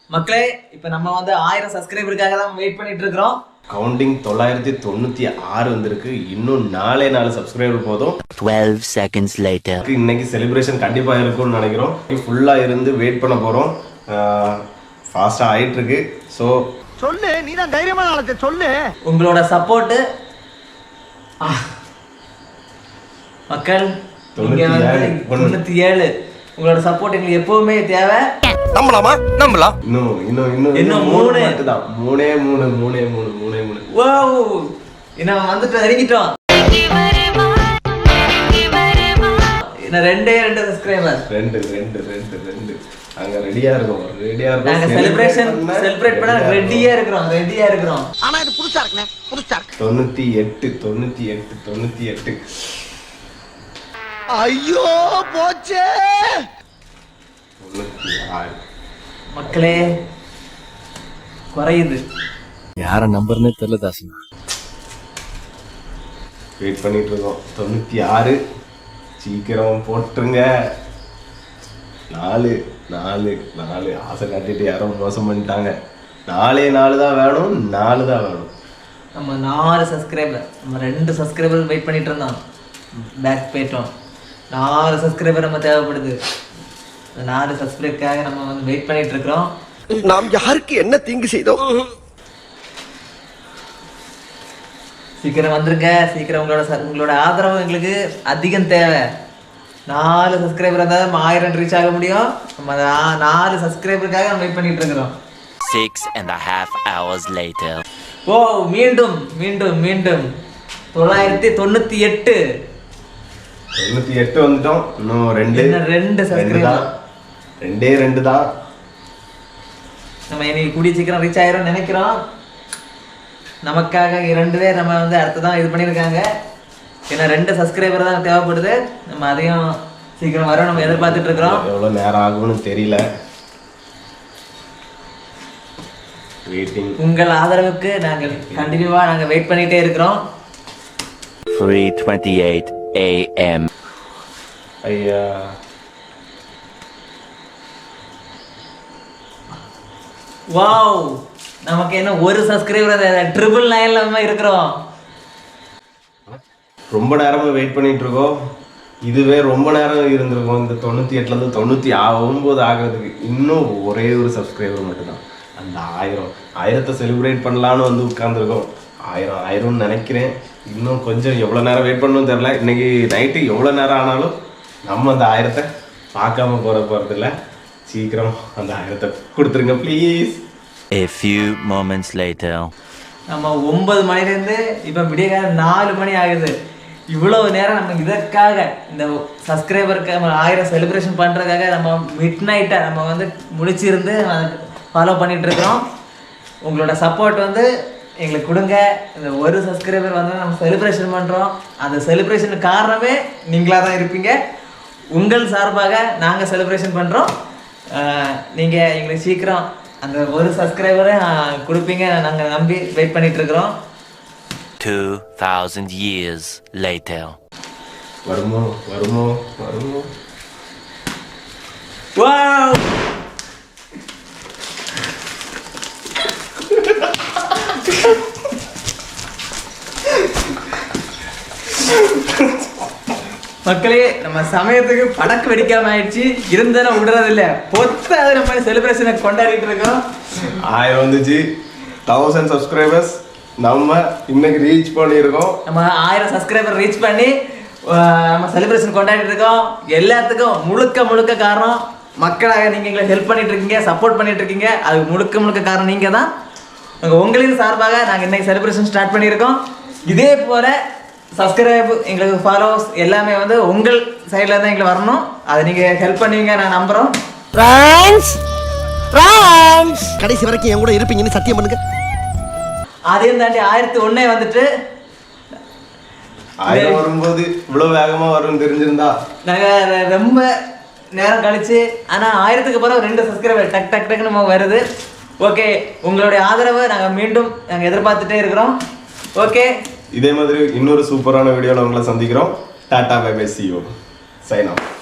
மக்களே இப்போ நம்ம வந்து 1000 சப்ஸ்கிரைபருக்காக தான் வெயிட் பண்ணிட்டு இருக்கோம். கவுண்டிங் 996 வந்திருக்கு. இன்னும் 4 சப்ஸ்கிரைபர் போதும். 12 seconds later. இன்னைக்கு செலிப்ரேஷன் கண்டிப்பா இருக்கும்னு நினைக்கிறோம். ஃபுல்லா இருந்து வெயிட் பண்ண போறோம். ஃபாஸ்டா ஆயிட்டு இருக்கு. சோ சொல்லு, நீ தான் தைரியமான ஆளு, சொல்லு. உங்களோட சப்போர்ட் மக்கள் 97 உங்களோட சப்போர்ட் எங்களுக்கு எப்பவுமே தேவை. நம்பலாமா? நம்பலாம். இன்னும் 3 மட்டும் தான். 3 வாவ், இன்னும் வந்துட்டு இறங்கிட்டோம். இன்னும் 2 சப்ஸ்கிரைபர். 2 அங்க ரெடியா இருக்கோம். நாங்க செலிப்ரேட் பண்ண ரெடியா இருக்கிறோம். ஆனா இது புதுசா இருக்குனே, புதுசா இருக்கு. 98. ஐயோ போச்சே. 96. மக்களே குறையுது. யார நம்பர்னே தெரியல தாசனா. வெயிட் பண்ணிட்டு இருக்கோம். 96 சீக்கிரம் போட்டுருங்க. 4 ஆசை காட்டிட்டு யாரும் மோசம் பண்ணிட்டாங்க. 4 தான் வேணும். 4 தான் வேணும். நம்ம 4 சப்ஸ்கிரைபர், நம்ம 2 சப்ஸ்கிரைபர் வெயிட் பண்ணிட்டு இருந்தோம். பேக் போயிட்டோம். 4 சப்ஸ்கிரைபர் நம்ம தேவைப்படுது. 4 சப்ஸ்கிரைபருக்காக நம்ம வந்து வெயிட் பண்ணிட்டு இருக்கிறோம். நாம் யாருக்கு என்ன தீங்கு செய்தோம்? சீக்கிரம் வந்துருங்க. சீக்கிரம் உங்களோட ஆதரவு எங்களுக்கு அதிகம் தேவை. 4 சப்ஸ்கிரைபர் இருந்தால் நம்ம 1000 ரீச் ஆக முடியும். நம்ம 4 சப்ஸ்கிரைபருக்காக நம்ம வெயிட் பண்ணிட்டு இருக்கிறோம். 6.5 hours later. ஓ, மீண்டும் 998 வந்துட்டோம். இன்னும் 2 சப்ஸ்கிரைபர். 2 தான். நம்ம இன்னைக்கு கூடிய சீக்கிரம் ரீச் ஆயிரும் நினைக்கிறோம். நமக்காக 2 பேர் நம்ம வந்து அடுத்ததான் இது பண்ணியிருக்காங்க. ஏன்னா 2 சப்ஸ்கிரைபர் தான் தேவைப்படுது. நம்ம அதையும் சீக்கிரம் வர நம்ம எதிர்பார்த்துட்டு இருக்கிறோம். எவ்வளோ நேரம் ஆகும்னு தெரியல. வெயிட்டிங். உங்கள் ஆதரவுக்கு நாங்கள் கண்டினியூவா வெயிட் பண்ணிட்டே இருக்கிறோம். 3:28 a.m. ஐயா, வாவ், நமக்கு என்ன ஒரு சப்ஸ்கிரைபர் 999 நம்ம இருக்கிறோம். ரொம்ப நேரமா வெயிட் பண்ணிட்டு இருக்கோம். இதுவே ரொம்ப நேரம் இருந்திருக்கும். இந்த 98லேருந்து 99 ஆகிறதுக்கு இன்னும் ஒரே ஒரு சப்ஸ்கிரைபர் மட்டும்தான். அந்த 1000 செலிப்ரேட் பண்ணலான்னு வந்து உட்காந்துருக்கோம். 1000 நினைக்கிறேன். இன்னும் கொஞ்சம் எவ்வளோ நேரம் வெயிட் பண்ணணும்னு தெரில. இன்னைக்கு நைட்டு எவ்வளோ நேரம் ஆனாலும் நம்ம அந்த 1000 பார்க்காம போகிறதில்ல. சீக்கிரம் அந்த 1000 கொடுத்துருங்க please. A few moments later. நம்ம 9 மணிலேருந்து இப்போ விடிய 4 மணி ஆகுது. இவ்வளோ நேரம் நம்ம இதற்காக, இந்த சப்ஸ்கிரைபருக்கு நம்ம 1000 செலிப்ரேஷன் பண்ணுறதுக்காக நம்ம மிட் நைட்டை நம்ம வந்து முழிச்சிருந்து ஃபாலோ பண்ணிகிட்டு இருக்கிறோம். உங்களோட சப்போர்ட் வந்து எங்களுக்கு கொடுங்க. இந்த ஒரு சப்ஸ்கிரைபர் வந்து நம்ம செலிப்ரேஷன் பண்ணுறோம். அந்த செலிப்ரேஷனுக்கு காரணமே நீங்களாக தான் இருப்பீங்க. உங்கள் சார்பாக நாங்கள் செலிப்ரேஷன் பண்ணுறோம். நீங்கள் எங்களுக்கு சீக்கிரம் அந்த ஒரு சப்ஸ்கிரைபரை கொடுப்பீங்க. நாங்கள் நம்பி வெயிட் பண்ணிட்டு இருக்கிறோம். 2000 years later. வருமோ. வாவ், மக்களே, நம்ம சமயத்துக்கு படக்கு வெடிக்காம ஆயிடுச்சு. இருந்தாலும் விடுறதில்ல. பொத்தாவது நம்ம செலிப்ரேஷனை கொண்டாடிட்டு இருக்கோம். 1000 வந்துச்சு. 1000 சப்ஸ்கிரைபர்ஸ் நம்ம இன்னைக்கு ரீச் பண்ணியிருக்கோம். நம்ம 1000 சப்ஸ்கிரைபர் ரீச் பண்ணி நம்ம செலிப்ரேஷன் கொண்டாடிட்டு இருக்கோம். எல்லாத்துக்கும் முழுக்க காரணம் மக்களாக நீங்கள் எங்களை ஹெல்ப் பண்ணிட்டு இருக்கீங்க, சப்போர்ட் பண்ணிட்டு இருக்கீங்க. அது முழுக்க காரணம் நீங்கள் தான். உங்களின் சார்பாக நாங்கள் இன்னைக்கு செலிப்ரேஷன் ஸ்டார்ட் பண்ணியிருக்கோம். இதே போல் சப்ஸ்கிரைப், எங்களுக்கு ஃபாலோவர்ஸ் எல்லாமே வந்து உங்கள் சைடில் தான் எங்களுக்கு வரணும். அதை நீங்கள் ஹெல்ப் பண்ணுவீங்க நான் நம்புகிறோம். கடைசி வரைக்கும் என் கூட இருப்பீங்கன்னு சத்தியம் பண்ணுங்க. அதையும் தாண்டி 1001 வந்துட்டு 1000 வரும்போது இவ்வளோ வேகமாக வரும்னு தெரிஞ்சிருந்தா நாங்கள் ரொம்ப நேரம் கழிச்சு, ஆனால் 1000க்கு பிறகு 2 சப்ஸ்கிரைபர் டக்குன்னு நம்ம வருது. ஓகே, உங்களுடைய ஆதரவை நாங்கள் எதிர்பார்த்துட்டே இருக்கிறோம். ஓகே, இதே மாதிரி இன்னொரு சூப்பரான வீடியோவில் உங்களை சந்திக்கிறோம். Tata bye bye, see you. Sign off.